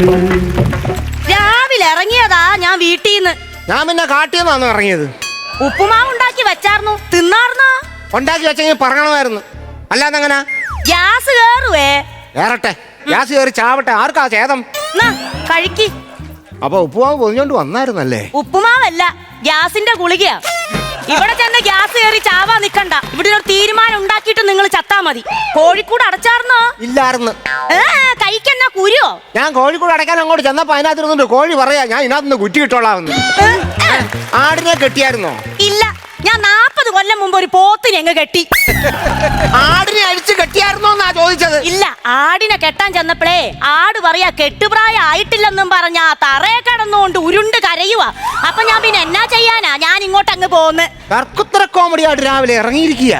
രാവിലെ ഇറങ്ങിയതാ ഞാൻ വീട്ടീന്ന്. ഞാൻ പിന്നെ കാട്ടിയെന്നാണ് ഇറങ്ങിയത്. ഉപ്പുമാവ് ഉണ്ടാക്കി വെച്ചാർന്നു, തിന്നാർന്നോ? ഉണ്ടാക്കി വെച്ചെങ്കിൽ പറയണമായിരുന്നു. അല്ലാതെ എങ്ങനെ? ഗ്യാസ് കേറുവേ. കേറട്ടെ, ഗ്യാസ് കയറി ചാവട്ടെ, ആർക്കാ ഛേദം? കഴിക്ക്. അപ്പൊ ഉപ്പുമാവ് പൊതിഞ്ഞോണ്ട് വന്നായിരുന്നല്ലേ? ഉപ്പുമാവല്ല, ഗ്യാസിന്റെ ഗുളികയാ. ഇവിടെ ചെന്ന് ഗ്യാസ് കയറി ചാവാ നിക്കണ്ട. ഇവിടെ ഒരു തീരുമാനം ഉണ്ടാക്കിയിട്ട് നിങ്ങൾ ചത്താ മതി. കോഴിക്കൂട് അടച്ചാർന്നോ? ഇല്ലായിരുന്നു. കഴിക്കെന്നാ കുരുവോ? ഞാൻ കോഴിക്കൂട് അടയ്ക്കാൻ അങ്ങോട്ട് ചെന്നപ്പോ അതിനകത്തിരുന്നുണ്ട് കോഴി പറയാ ഞാൻ ഇതിനകത്തുനിന്ന് കുറ്റി കിട്ടോളാവുന്നു. ആടിനെ കെട്ടിയായിരുന്നോ? ഇല്ല, ഞാൻ 40 കൊല്ലം മുമ്പ് ഒരു പോത്തിനെ അങ്ങ് കെട്ടി. ആടിനെ അഴിച്ച് കെട്ടിയായിരുന്നോ എന്നാ ചോദിച്ചത്. ഇല്ല, ആടിനെ കെട്ടാൻ ചെന്നപ്പോഴേ ആട് പറയാ കെട്ടുപ്രായം ആയിട്ടില്ലെന്നും പറഞ്ഞാ തറയെ കിടന്നുകൊണ്ട് ഉരുണ്ട് കരയുവാ. അപ്പൊ ഞാൻ പിന്നെ എന്നാ ചെയ്യാനാ, ഞാൻ ഇങ്ങോട്ട് അങ്ങ് പോന്ന്. കർക്കുത്തര കോമഡി ആയിട്ട് രാവിലെ ഇറങ്ങിയിരിക്കുക.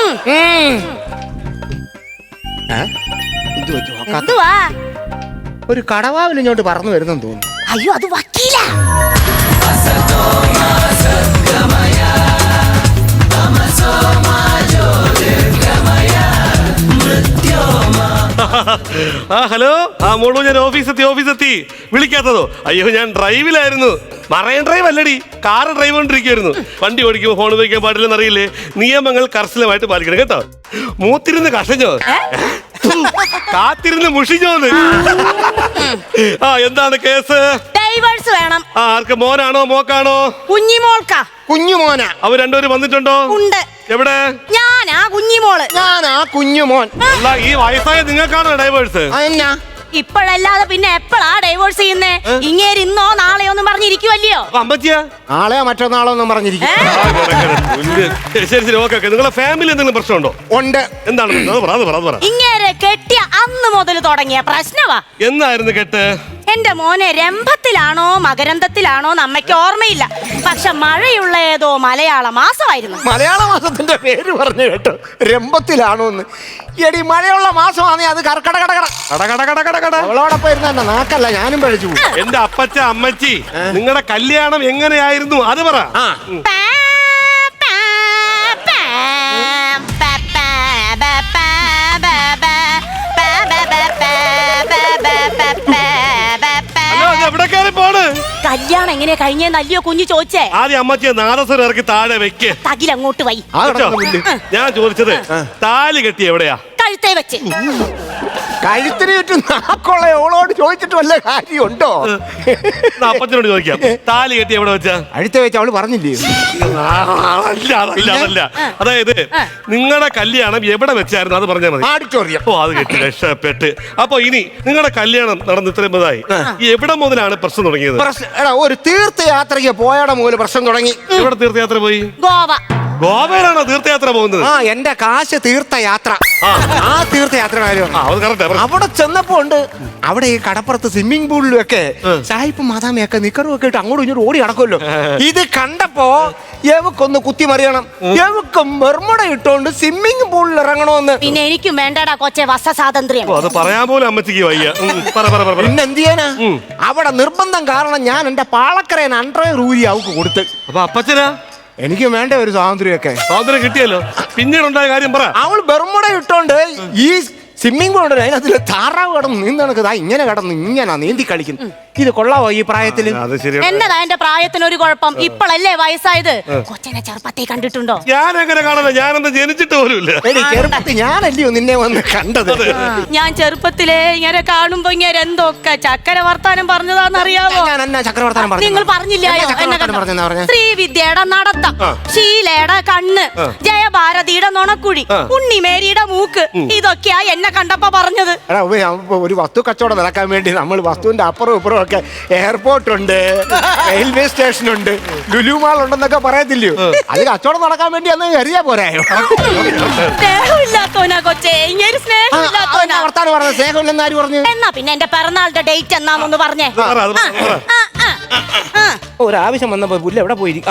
എന്തുവാ? ഒരു കടവാവിൽ ഇങ്ങോട്ട് പറന്നു വരുന്നെന്ന് തോന്നുന്നു. അയ്യോ, അത് വക്കീല. ഹലോ. മോളു, ഞാൻ ഓഫീസെത്തി. വിളിക്കാത്തതോ? അയ്യോ, ഞാൻ ഡ്രൈവിലായിരുന്നു. മറൈൻ ഡ്രൈവ് അല്ലടി, കാറ് ഡ്രൈവ് കൊണ്ടിരിക്കുവായിരുന്നു. വണ്ടി ഓടിക്കുമ്പോൾ ഫോൺ ഉപയോഗിക്കാൻ പാടില്ലെന്ന് അറിയില്ലേ? നിയമങ്ങൾ കർശനമായിട്ട് പാലിക്കണം കേട്ടോ. മൂത്തിരുന്ന് കഷഞ്ഞോ, കാത്തിരുന്ന് മുഷിഞ്ഞോന്ന്. എന്താണ് കേസ്? ഡൈവേഴ്സ് വേണം. ആർക്ക്? മോനാണോ മോക്കാണോ? കുഞ്ഞിമോൾക്കാ. കുഞ്ഞുമോന. അവർ രണ്ടുപേരും വന്നിട്ടുണ്ടോ? ഉണ്ട്. എവിടെ? ഞാനാ കുഞ്ഞിമോള്. ഞാനാ കുഞ്ഞുമോൻ. അല്ല, ഈ വയസ്സായ നിങ്ങൾക്കാണോ ഡൈവേഴ്സ്? എന്നാ ഇപ്പോഴല്ലാതെ പിന്നെ എപ്പോഴാ ഡൈവോഴ്സ് ചെയ്യുന്നേ? ഇങ്ങേര് ഇന്നോ നാളെയോ ഒന്നും പറഞ്ഞിരിക്കുവല്ലയോ? അമ്മച്ചിയാ? നാളെയോ മറ്റന്നാളോ ഒന്നും പറഞ്ഞിരിക്കും. ശരി, ഓക്കെ. നിങ്ങളെ ഫാമിലി എന്തെങ്കിലും പ്രശ്നമുണ്ടോ? ഉണ്ട്. എന്താണ്? ഇങ്ങേരെ കെട്ടിയ അന്ന് മുതൽ തുടങ്ങിയ പ്രശ്നവാ. എന്നായിരുന്നു കെട്ട്? എന്റെ മോനെ രംഭത്തിലാണോ മകരന്തത്തിലാണോ അമ്മയ്ക്ക് ഓർമ്മയില്ല. പക്ഷെ മഴയുള്ള ഏതോ മലയാള മാസമായിരുന്നു. മലയാള മാസത്തിന്റെ പേര് പറഞ്ഞു കേട്ടോ, രംഭത്തിലാണോന്ന്. എടി, മഴയുള്ള മാസമാണേ അത് അവളോടൊപ്പം ഇരുന്ന എന്നെ നാക്കല്ല, ഞാനും പഴിച്ചു. എന്റെ അപ്പച്ച അമ്മച്ചി, നിങ്ങളുടെ കല്യാണം എങ്ങനെയായിരുന്നു അത് പറ. കല്യാണം എങ്ങനെയാ കഴിഞ്ഞെന്ന് അല്ലയോ കുഞ്ഞു ചോദിച്ചേ? ആദ്യം അമ്മച്ചിയെ നാദസ്വരം ഇറക്കി താഴെ വെക്ക്. തകിലങ്ങോട്ട് വൈ. ഞാൻ ചോദിച്ചത് താലി കെട്ടി എവിടെയാ? കഴുത്തേ വെച്ച്. കഴുത്തിന് ചുറ്റും നാക്കുള്ള ഓളോട് ചോദിച്ചിട്ട് വല്ല കാര്യമുണ്ടോ? അപ്പച്ചനോട് ചോദിക്കാം, താലി കെട്ടി എവിടെ വെച്ചാ? അഴുത്ത വെച്ച് അവള് പറഞ്ഞില്ലേ? അതല്ല. അതായത് നിങ്ങളുടെ കല്യാണം എവിടെ വെച്ചായിരുന്നു അത് പറഞ്ഞാൽ മതി. ഓഡിറ്റോറിയം. ഓ, അത് കെട്ടി രക്ഷപ്പെട്ട്. അപ്പൊ ഇനി നിങ്ങളുടെ കല്യാണം നടന്ന് ഇത്രയും മുതലായി, എവിടെ മുതലാണ് പ്രശ്നം തുടങ്ങിയത്? ഒരു തീർത്ഥയാത്രയ്ക്ക് പോയവിടെ മുതൽ പ്രശ്നം തുടങ്ങി. എവിടെ തീർത്ഥയാത്ര പോയി? ഗോവ. ഗോവയിലാണോ തീർത്ഥയാത്ര പോകുന്നത്? എന്റെ കാശ് തീർത്ഥയാത്ര. ആ തീർത്ഥയാത്ര അവിടെ ചെന്നപ്പോ ഉണ്ട്, അവിടെ ഈ കടപ്പുറത്ത് സ്വിമ്മിംഗ് പൂളിലും ഒക്കെ സായിപ്പ് മാതാമയൊക്കെ നിക്കറും ഒക്കെ ഇട്ട് അങ്ങോട്ടും ഇങ്ങോട്ടും ഓടി നടക്കുമല്ലോ. ഇത് കണ്ടപ്പോ എവക്കൊന്ന് കുത്തിമറിയണം, എവക്ക് മെർമട ഇട്ടോണ്ട് സ്വിമ്മിംഗ് പൂളിൽ ഇറങ്ങണമെന്ന്. പിന്നെ എനിക്കും വേണ്ടടാ കൊച്ചെ വസ സ്വാതന്ത്ര്യം. അത് പറയാൻ പോലും അമ്മച്ചിക്ക് വയ്യ. പിന്നെ എന്ത് ചെയ്യാനാ? അവിടെ നിർബന്ധം കാരണം ഞാൻ എന്റെ പാളക്കരേൻ അണ്ടർവെയർ ഊരി അവക്ക് കൊടുത്ത്. അപ്പൊ അപ്പച്ചനാ? എനിക്ക് വേണ്ട ഒരു സ്വാതന്ത്ര്യമൊക്കെ. സ്വാതന്ത്ര്യം കിട്ടിയല്ലോ, പിന്നീട് ഉണ്ടായ കാര്യം പറ. അവൾ ബെർമുട ഇട്ടോണ്ട് ഈ സ്വിമ്മിംഗ് പൂൾ ഉണ്ട്, അതിനകത്തിൽ താറാവ് കടന്ന് നീന്തണക്കതാ ഇങ്ങനെ കടന്ന് ഇങ്ങനെ നീന്തി കളിക്കുന്നു. ഇത് കൊള്ളാവോ ഈ പ്രായത്തില്? എന്നതാ എന്റെ പ്രായത്തിന് ഒരു കുഴപ്പം? ഇപ്പോഴല്ലേ വയസ്സായത്. കൊച്ചനെ ചെറുപ്പത്തെ കണ്ടിട്ടുണ്ടോ? ഞാൻ എങ്ങനെ കാണാനോ, ഞാനൊന്നും ജനിച്ചിട്ട് പോലുമില്ല. ചെറുപ്പത്തിൽ ഞാനല്ലയോ നിന്നെ വന്ന് കണ്ടത്. ഞാൻ ചെറുപ്പത്തിലെ ഇങ്ങനെ കാണുമ്പോ ഇങ്ങനെ എന്തൊക്കെ ചക്കര വർത്താനം പറഞ്ഞതാന്നറിയാമോ? നിങ്ങൾ പറഞ്ഞില്ലായോ? ശ്രീവിദ്യയുടെ നടത്തം, ശീലയുടെ കണ്ണ്, ജയഭാരതിയുടെ നുണക്കുഴി, ഉണ്ണിമേരിയുടെ മൂക്ക്, ഇതൊക്കെയാ എന്നെ കണ്ടപ്പോ പറഞ്ഞത്. ഒരു വസ്തു കച്ചവടം നടക്കാൻ വേണ്ടി നമ്മൾ വസ്തുവിന്റെ അപ്പുറം ഇപ്പുറം ഒക്കെ എയർപോർട്ട് ഉണ്ട്, റെയിൽവേ സ്റ്റേഷൻ ഉണ്ട്, ലുലു മാൾ ഉണ്ടെന്നൊക്കെ പറയത്തില്ലയോ? അത് കച്ചവടം നടക്കാൻ വേണ്ടി അന്ന് കരുതിയാ പോരായോ? സ്നേഹമില്ലാത്തോനാ കൊച്ചേ, ഇങ്ങനെ സ്നേഹമില്ലാത്തോനാ. വർത്താനം പറഞ്ഞ സ്നേഹമില്ലെന്ന് ആര് പറഞ്ഞു? എന്നാ പിന്നെ എന്റെ പിറന്നാളുടെ ഡേറ്റ് എന്നാന്നൊന്ന് പറഞ്ഞേ. ഒരാവശ്യം വന്നപ്പോ പുല്ല് എവിടെ പോയിരിക്കാം?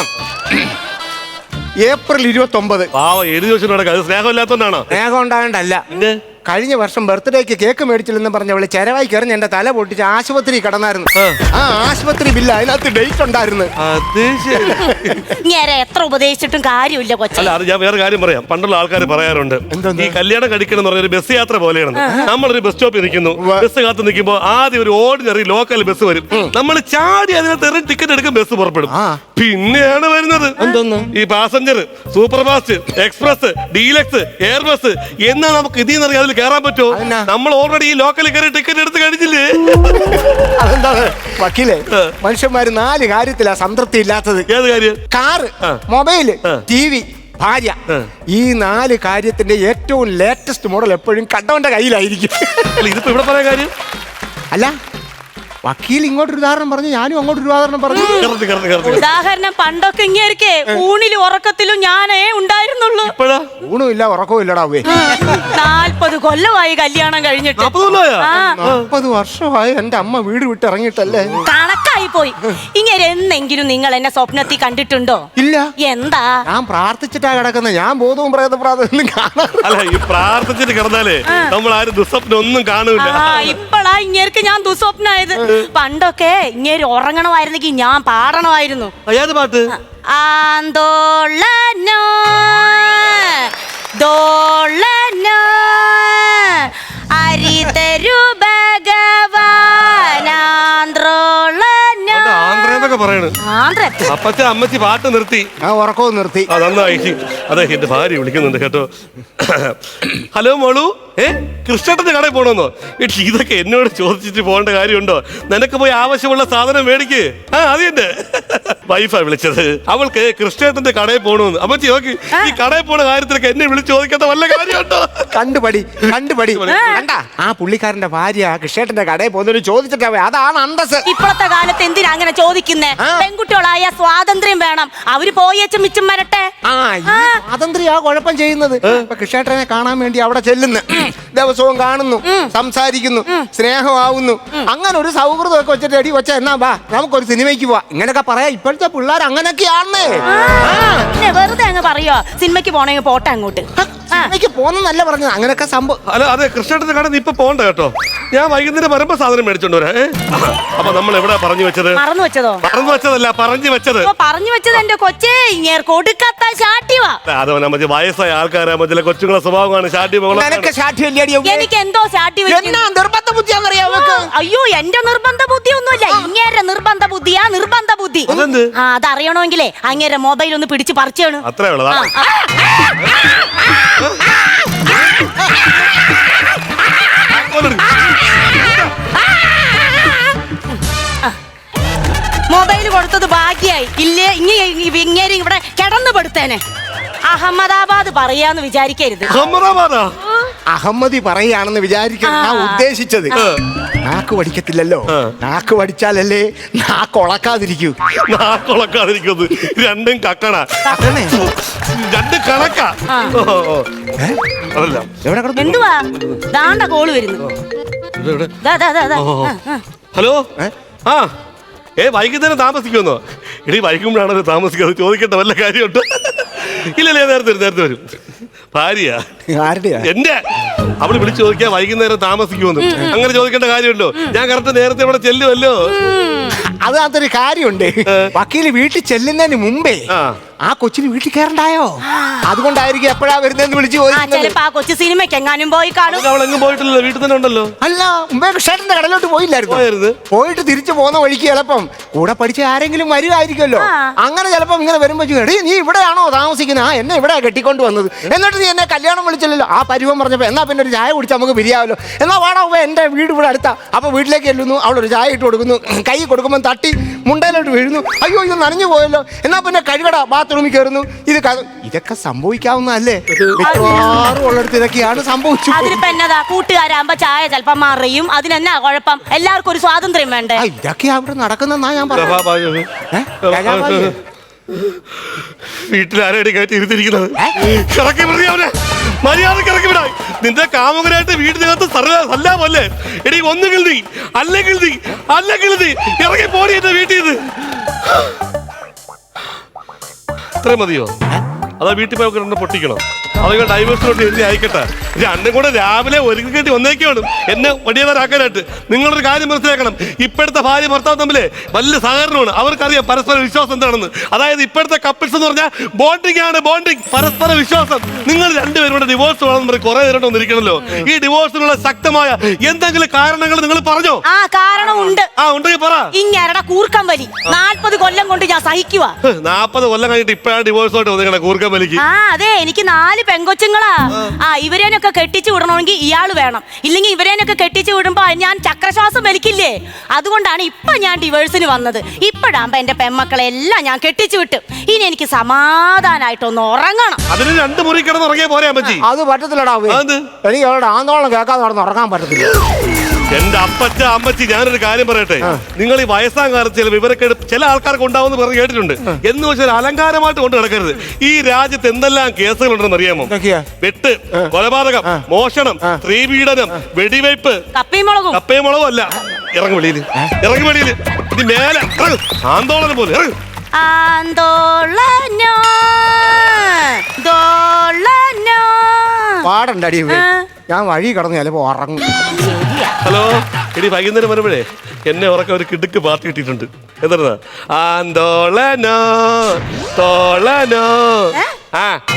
ഏപ്രിൽ 29. എഴുതി വെച്ചിട്ട് സ്നേഹമില്ലാത്തോണ്ടാണോ? സ്നേഹം ഉണ്ടാകണ്ടല്ല, കഴിഞ്ഞ വർഷം ബർത്ത്ഡേക്ക് കേക്ക് മേടിച്ചില്ലെന്ന് പറഞ്ഞ അവള് ചെലവായി കയറി എന്റെ തല പൊട്ടിച്ച് ആശുപത്രി കിടന്നായിരുന്നു. ആ ആശുപത്രി ബില്ല് അതിനകത്ത് ഡേറ്റ് ഉണ്ടായിരുന്നു. അത് ശരി. ഇങ്ങനെ എത്ര ഉപദേശിച്ചിട്ടും കാര്യമില്ല കൊച്ചെ. അല്ല, അത് ഞാൻ വേറെ കാര്യം പറയാം. പണ്ടുള്ള ആൾക്കാർ പറയാറുണ്ട്, ഈ കല്യാണം കഴിക്കണം എന്ന് പറഞ്ഞ ഒരു ബസ് യാത്ര പോലെയാണ്. നമ്മളൊരു ബസ് സ്റ്റോപ്പിൽ നിൽക്കുന്നു, ബസ് കാത്ത് നിൽക്കുമ്പോൾ ആദ്യം ഒരു ഓർഡിനറി ലോക്കൽ ബസ് വരും. നമ്മൾ ചാടി അതിനകത്ത് ടിക്കറ്റ് എടുക്കും, ബസ് പുറപ്പെടും. പിന്നെയാണ് വരുന്നത് ഈ passenger, super fast, express, deluxe, air bus എന്നാ നമുക്ക് ഇതിൽ നിന്ന് അതിൽ കയറാൻ പറ്റുമോ? നമ്മൾ ഓൾറെഡി ഈ ലോക്കലിൽ കയറി ടിക്കറ്റ് എടുത്ത് കഴിഞ്ഞില്ലേ? അതെന്താണ് വക്കീലെ, മനുഷ്യന്മാര് 4 കാര്യത്തിലാ സംതൃപ്തി ഇല്ലാത്തത്. ഏത് കാര്യം? കാറ്, മൊബൈല്, TV, ഭാര്യ. ഈ 4 കാര്യത്തിന്റെ ഏറ്റവും ലേറ്റസ്റ്റ് മോഡൽ എപ്പോഴും കണ്ടവന്റെ കയ്യിലായിരിക്കും. ഇതിപ്പോ ഇവിടെ പറയാൻ കാര്യം അല്ല, വക്കീൽ ഇങ്ങോട്ടൊരു ഉദാഹരണം പറഞ്ഞു, ഞാനും അങ്ങോട്ടൊരു ഉദാഹരണം പറഞ്ഞു. ഉദാഹരണം പണ്ടൊക്കെ ഇങ്ങേരിക്കേ ഊണിലും ഉറക്കത്തിലും ഞാനേ ഉണ്ടായിരുന്നുള്ളൂ. ഊണും ഇല്ല ഉറക്കവും ഇല്ലടാ. 40 കൊല്ലമായി കല്യാണം കഴിഞ്ഞിട്ട്. 40 വർഷമായി എന്റെ അമ്മ വീട് വിട്ട് ഇറങ്ങിയിട്ടല്ലേ. കണക്കായി പോയി. ഇങ്ങനെ എന്നെങ്കിലും നിങ്ങൾ എന്നെ സ്വപ്നത്തിൽ കണ്ടിട്ടുണ്ടോ? ഇല്ല. എന്താ? ഞാൻ പ്രാർത്ഥിച്ചിട്ടാ കിടക്കുന്നത്. ഞാൻ ബോധവും പ്രേതപ്രാതൊന്നും കാണാൻ. അല്ല, ഈ പ്രാർത്ഥിച്ചിട്ട് കിടന്നാലേ നമ്മൾ ആരും ദുസ്വപ്നം ഒന്നും കാണൂല. ഇപ്പളാ ഇങ്ങേർക്ക് ഞാൻ ദുസ്വപ്നായത്. പണ്ടൊക്കെ ഇങ്ങേര് ഉറങ്ങണമായിരുന്നെങ്കിൽ ഞാൻ പാടണമായിരുന്നു. ഏത് പാട്ട്? ആന്തോളനോ ദോളനോ അരിതരു ഭഗവാനാന്ത്രോളനോ. ആന്ധ്രന്നൊക്കെ പറയണ്. അപ്പച്ച അമ്മച്ചി പാട്ട് നിർത്തി, ആ ഉറക്കവും നിർത്തി. നന്നായി. അതെ, എന്റെ ഭാര്യ വിളിക്കുന്നുണ്ട് കേട്ടോ. ഹലോ മോളു, കൃഷ്ണേട്ടന്റെ കടയിൽ പോകണമെന്നോ? ഇതൊക്കെ എന്നോട് ചോദിച്ചിട്ട് പോകേണ്ട കാര്യമുണ്ടോ? നിനക്ക് പോയി ആവശ്യമുള്ള സാധനം മേടിക്ക്. അതെന്റെ വൈഫാ വിളിച്ചത്. അവൾക്ക് കൃഷ്ണേട്ടന്റെ കടയിൽ പോകണമെന്ന്. അമ്മച്ചി നോക്കി, ഈ കടയിൽ പോണ കാര്യത്തിലൊക്കെ എന്നെ വിളിച്ച് ചോദിക്കാത്ത വല്ല കാര്യമുണ്ടോ? കണ്ടുപടി. കണ്ടാ, ആ പുള്ളിക്കാരന്റെ ഭാര്യ കൃഷ്ണേട്ടന്റെ കടയിൽ പോകുന്നൊരു ചോദിച്ചിട്ടാ. അതാണ് അന്തസ്. ഇപ്പോഴത്തെ കാലത്ത് എന്തിനാ അങ്ങനെ ചോദിക്കുന്നേ? പെൺകുട്ടികളായ സ്വാതന്ത്ര്യം വേണം. അവര് പോയേച്ചും മിച്ചം വരട്ടെ. സ്വാതന്ത്ര്യ കുഴപ്പം ചെയ്യുന്നത്. കൃഷ്ണേട്ടനെ കാണാൻ വേണ്ടി അവിടെ ചെല്ലുന്നു, ദിവസവും കാണുന്നു, സംസാരിക്കുന്നു, സ്നേഹമാവുന്നു. അങ്ങനെ ഒരു സൗഹൃദമൊക്കെ വെച്ചിട്ട് എടി വെച്ച എന്നാ വാ നമുക്കൊരു സിനിമയ്ക്ക് പോവാ. ഇങ്ങനെയൊക്കെ പറയാ. ഇപ്പോഴത്തെ പിള്ളേർ അങ്ങനെയൊക്കെയാണേ. വെറുതെ അങ്ങ് പറയോ സിനിമയ്ക്ക് പോണെങ്കിൽ പോട്ടെ അങ്ങോട്ട്. സിനിമയ്ക്ക് പോന്നല്ല പറഞ്ഞത്. അങ്ങനെയൊക്കെ സംഭവം. അല്ല, അതെ, കൃഷ്ണേട്ടന്റെ കട ഇപ്പൊ പോണ്ട കേട്ടോ. ഞാൻ വൈകുന്നേരം വരുമ്പോ സാധനം മേടിച്ചോണ്ട് വരാ. അപ്പൊ നമ്മൾ എവിടെ പറഞ്ഞു വെച്ചത്? മറന്നു വെച്ചതോ? മറന്നു വെച്ചതല്ല, പറഞ്ഞു വെച്ചത്. പറഞ്ഞു വെച്ചത് എന്റെ കൊച്ചേ ഇങ്ങേർ കൊടുക്കാത്ത ശാഠ്യവാ. അതോ മറ്റേ വയസ്സായ ആൾക്കാരെ മറ്റേ കൊച്ചുങ്ങളെ സ്വഭാവമാണ് ശാഠ്യം. എനിക്ക് എന്തോ ശാഠ്യം. നിർബന്ധ ബുദ്ധിയാണെന്നറിയാം. അയ്യോ, എന്റെ നിർബന്ധ ബുദ്ധി ഒന്നുമില്ല. ഇങ്ങേരെ നിർബന്ധ ബുദ്ധിയാ. നിർബന്ധ ബുദ്ധി അതറിയണമെങ്കിലേ അങ്ങേരെ മൊബൈൽ ഒന്ന് പിടിച്ച് പറിച്ചാണ്. അത്രേ ഉള്ളതാ. മൊബൈൽ കൊടുത്തത് ഭാഗ്യായി. ഇല്ലേ ഇങ്ങനെ ഇവിടെ കിടന്നു പെടുത്തേനെ. അഹമ്മദാബാദ് പറയാന്ന് വിചാരിക്കരുത്. അഹമ്മദി പറയാണെന്ന് വിചാരിക്കണം ഞാൻ ഉദ്ദേശിച്ചത്. നാക്ക് പഠിക്കത്തില്ലല്ലോ. നാക്ക് പഠിച്ചാലല്ലേ നാക്കൊളക്കാതിരിക്കൂ. നാക്കൊളക്കാതിരിക്കുന്നത് രണ്ടും കക്കണ, രണ്ടും കണക്കാ. എന്തുവാ ദാണ്ട കോള് വരുന്നു. ഹലോ. വൈകുന്നേരം താമസിക്കുമെന്നോ? ഇടീ വൈകുമ്പോഴാണല്ലോ താമസിക്കുന്നത്. ചോദിക്കേണ്ട വല്ല കാര്യമുണ്ടോ? ഇല്ലല്ലേ, നേരത്തെ വരും. ഭാര്യ എന്റെ അവള് വിളിച്ചു ചോദിക്കാ വൈകുന്നേരം താമസിക്കുമെന്ന്. അങ്ങനെ ചോദിക്കേണ്ട കാര്യമുണ്ടോ? ഞാൻ കറക്റ്റ് നേരത്തെ ഇവിടെ ചെല്ലുമല്ലോ. അതിനകത്തൊരു കാര്യമുണ്ട്. വക്കീല് വീട്ടിൽ ചെല്ലുന്നതിന് മുമ്പേ ആ കൊച്ചിന് വീട്ടിൽ കയറണ്ടായോ? അതുകൊണ്ടായിരിക്കും എപ്പോഴാ വരുന്നതെന്ന് വിളിച്ചു കൊച്ചു സിനിമയ്ക്ക് എങ്ങാനും പോയി കാണും. അവളെങ്ങും പോയിട്ടില്ലല്ലോ, വീട്ടിൽ തന്നെ ഉണ്ടല്ലോ. അല്ല, മുമ്പേ കൃഷ്ണേട്ടന്റെ കടലോട്ട് പോയില്ലായിരുന്നു. പോയിട്ട് തിരിച്ചു പോകുന്ന വഴിക്ക് ചിലപ്പം കൂടെ പഠിച്ച ആരെങ്കിലും വരുമായിരിക്കുമല്ലോ. അങ്ങനെ ചിലപ്പം ഇങ്ങനെ വരുമ്പോ എടീ നീ ഇവിടെയാണോ താമസിക്കുന്നത്? എന്നെ ഇവിടെ കെട്ടിക്കൊണ്ട് വന്നത്. എന്നിട്ട് നീ എന്നെ കല്യാണം വിളിച്ചില്ലല്ലോ. ആ പരിവം പറഞ്ഞപ്പോ എന്നാ പിന്നെ ഒരു ചായ കുടിച്ചാൽ നമുക്ക് പിരിയാവല്ലോ. എന്നാ വാടാ എന്റെ വീട് ഇവിടെ അടുത്താ. അപ്പൊ വീട്ടിലേക്ക് ചെല്ലുന്നു, അവളൊരു ചായ ഇട്ട് കൊടുക്കുന്നു. കൈ കൊടുക്കുമ്പോൾ തട്ടി മുണ്ടയിലോട്ട് വീഴുന്നു. അയ്യോ ഇത് നനഞ്ഞു പോയല്ലോ. എന്നാ പിന്നെ കഴുകടാ, ബാത്റൂമിൽ കയറുന്നു. ഇതൊക്കെ സംഭവിക്കാവുന്നതല്ലേ? ഉള്ളിടത്ത് ഇതൊക്കെയാണ് സംഭവിച്ചു. അതിനിപ്പോ എന്നതാ, കൂട്ടുകാരാകുമ്പോ ചായ ചിലപ്പം മറിയും. അതിനെന്നാ കുഴപ്പം? എല്ലാവർക്കും ഒരു സ്വാതന്ത്ര്യം വേണ്ടേ? ഇതൊക്കെ അവിടെ നടക്കുന്നെന്നാ ഞാൻ പറഞ്ഞു. വീട്ടിലാരടി കയറ്റി ഇരുത്തിരിക്കുന്നത്? ഇറക്കി വിടാ, മര്യാദക്ക് ഇറക്കി വിടാ. നിന്റെ കാമുകനായിട്ട് വീടിനകത്ത് സല്ലാമല്ലേ? എടി ഒന്നുകിൽ നീ അല്ലെങ്കിൽ ഇറങ്ങി പോടി എന്റെ വീട്ടിൽ നിന്ന്. ഇത്ര മതിയോ? അതോ വീട്ടിൽ പോയി പൊട്ടിക്കണം? അതൊക്കെ ഡൈവേഴ്സിനോട്ട് എഴുതി അയക്കട്ടെ. രണ്ടും കൂടെ രാവിലെ ഒരുക്കി കെട്ടി വന്നേക്കാണ് എന്നെ വടിയവരാക്കാനായിട്ട്. നിങ്ങളൊരു കാര്യം മനസ്സിലാക്കണം, ഇപ്പോഴത്തെ ഭാര്യ ഭർത്താവ് തമ്മിലെ വലിയ സഹകരണമാണ്. അവർക്കറിയാം പരസ്പര വിശ്വാസം എന്താണെന്ന്. അതായത് ഇപ്പോഴത്തെ കപ്പിൾസ് എന്ന് പറഞ്ഞാൽ ബോണ്ടിങ് ആണ്, ബോണ്ടിങ്, പരസ്പര വിശ്വാസം. നിങ്ങൾ രണ്ടുപേരും കൂടെ ഡിവോഴ്സ് വേണമെന്ന് പറയും കുറെ നേരം ഒന്നിരിക്കണല്ലോ. ഈ ഡിവോഴ്സിനുള്ള ശക്തമായ എന്തെങ്കിലും കാരണങ്ങൾ നിങ്ങൾ പറഞ്ഞോ? ആ കാരണമുണ്ട്. ഉണ്ടെങ്കിൽ പറ. ഇങ്ങരുടെ കൂർക്കം വലി 40 കൊല്ലം കൊണ്ട് ഞാൻ സഹിക്കുക. 40 കൊല്ലം കഴിഞ്ഞിട്ട് ഇപ്പഴാണ് ഡിവോഴ്സ് ആയിട്ട് വന്നിരിക്കണ കൂർക്കം വലിക്ക്. ആ അതെ, എനിക്ക് 4 പെങ്കൊച്ചുങ്ങളാ. ഇവരേനൊക്കെ കെട്ടിച്ചു വിടണമെങ്കിൽ ഇയാള് വേണം, ഇല്ലെങ്കിൽ ഇവരേനൊക്കെ കെട്ടിച്ചു വിടുമ്പോ ഞാൻ ചക്രശ്വാസം വലിക്കില്ലേ. അതുകൊണ്ടാണ് ഇപ്പൊ ഞാൻ ഡിവോഴ്സിന് വന്നത്. ഇപ്പഴാകുമ്പോ എന്റെ പെൺമക്കളെല്ലാം ഞാൻ കെട്ടിച്ചു വിട്ടു. ഇനി എനിക്ക് സമാധാനായിട്ടൊന്ന് ഉറങ്ങണം. അതിന് 2 മുറി കിടന്ന് ഉറങ്ങിയാ പോരാ അമ്മച്ചി? അത് പറ്റത്തില്ലടാ. എനിക്ക് അവരുടെ ആന്തോളം കേൾക്കാതെ നടന്ന് ഉറങ്ങാൻ പറ്റത്തില്ല. എന്റെ അപ്പച്ച അമ്മച്ചി, ഞാനൊരു കാര്യം പറയട്ടെ. നിങ്ങൾ ഈ വയസ്സാം കാലത്ത് ചില വിവരക്കേട് ചില ആൾക്കാർക്ക് ഉണ്ടാവുമെന്ന് പറഞ്ഞ് കേട്ടിട്ടുണ്ട്. എന്ന് വെച്ചാൽ അലങ്കാരമായിട്ട് കൊണ്ട് നടക്കരുത്. ഈ രാജ്യത്ത് എന്തെല്ലാം കേസുകളുണ്ടെന്ന് അറിയാമോ? വെട്ട്, കൊലപാതകം, മോഷണം, സ്ത്രീപീഡനം, വെടിവയ്പ്. കപ്പയും മുളകും അല്ല. ഇറങ്ങി വെളിയിൽ, ഇറങ്ങി വെളിയിൽ. ഇത് മേലെ ആന്തോളനം പോലെ ഇറങ്ങും. പാടണ്ടടി, ഞാൻ വഴി കടന്നു ചിലപ്പോ ഉറങ്ങും. ഹലോ എടി, വൈകുന്നേരം വരുമ്പോഴേ എന്നെ ഉറക്കം ഒരു കിടുക്ക് പാട്ട് കിട്ടിയിട്ടുണ്ട്. എന്താ ആന്തോളനോ തോളനോ.